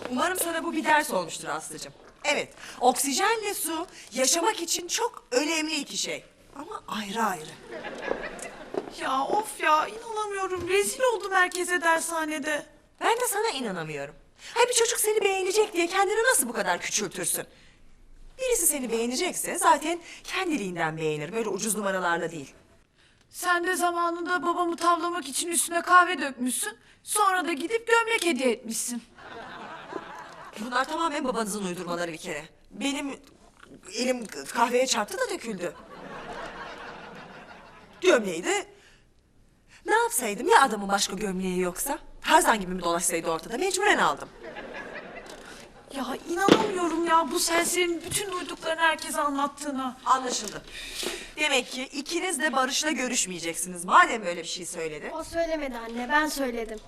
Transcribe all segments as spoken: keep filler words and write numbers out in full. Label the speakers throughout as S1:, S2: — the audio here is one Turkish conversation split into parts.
S1: Umarım sana bu bir ders olmuştur Aslı'cığım. Evet, oksijenle su yaşamak için çok önemli iki şey. Ama ayrı ayrı.
S2: Ya of ya, inanamıyorum. Rezil oldum herkese dershanede.
S1: Ben de sana inanamıyorum. Hay bir çocuk seni beğenecek diye kendini nasıl bu kadar küçültürsün? Birisi seni beğenecekse zaten kendiliğinden beğenir. Böyle ucuz numaralarla değil.
S2: Sen de zamanında babamı tavlamak için üstüne kahve dökmüşsün. Sonra da gidip gömlek hediye etmişsin.
S1: Bunlar tamamen babanızın uydurmaları bir kere. Benim elim kahveye çarptı da döküldü. Gömleği de... Ne yapsaydım ya adamın başka gömleği yoksa? Tarzan gibi mi dolaşsaydı ortada? Mecburen aldım.
S2: Ya inanamıyorum ya bu serserinin bütün duyduklarını herkese anlattığına.
S1: Anlaşıldı. Demek ki ikiniz de Barış'la görüşmeyeceksiniz. Madem öyle bir şey söyledi.
S3: O söylemedi anne, ben söyledim.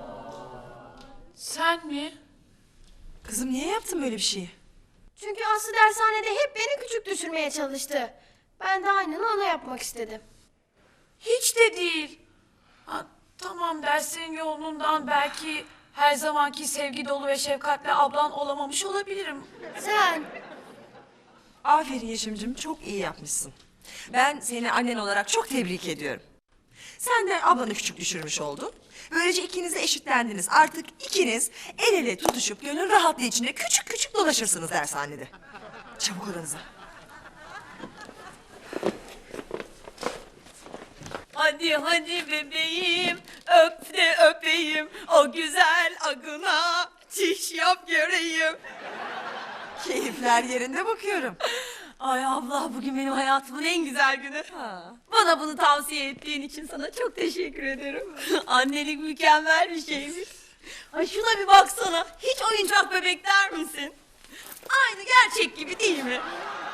S2: Sen mi?
S1: Kızım niye yaptın böyle bir şeyi?
S3: Çünkü Aslı dershanede hep beni küçük düşürmeye çalıştı. Ben de aynını ona yapmak istedim.
S2: Hiç de değil. Ha, tamam derslerin yoğunluğundan belki her zamanki sevgi dolu ve şefkatli ablan olamamış olabilirim.
S3: Sen,
S1: Aferin Yeşim'cim, çok iyi yapmışsın. Ben seni annen olarak çok tebrik ediyorum. Sen de ablanı küçük düşürmüş oldun. Böylece ikiniz de eşitlendiniz. Artık ikiniz el ele tutuşup gönül rahatlığı içinde küçük küçük dolaşırsınız dershanede. Çabuk odanıza.
S4: Hadi hadi bebeğim, öp de öpeyim, o güzel agına çiş yap göreyim.
S1: Keyifler yerinde bakıyorum.
S4: Ay abla, bugün benim hayatımın en güzel günü. Bana bunu tavsiye ettiğin için sana çok teşekkür ederim. Annelik mükemmel bir şeymiş. Ay şuna bir baksana, hiç oyuncak bebek der misin? Aynı gerçek gibi değil mi?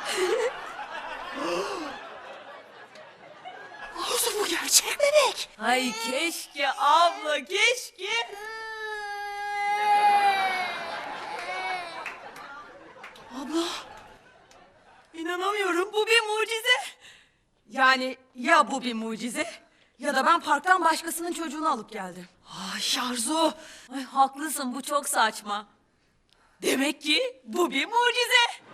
S1: Olsun bu gerçek bebek.
S4: Ay keşke abla, keşke.
S1: Abla.
S4: İnanamıyorum, bu bir mucize. Yani ya bu bir mucize ya da ben parktan başkasının çocuğunu alıp geldim.
S1: Ay Arzu.
S4: Ay haklısın, bu çok saçma. Demek ki bu bir mucize.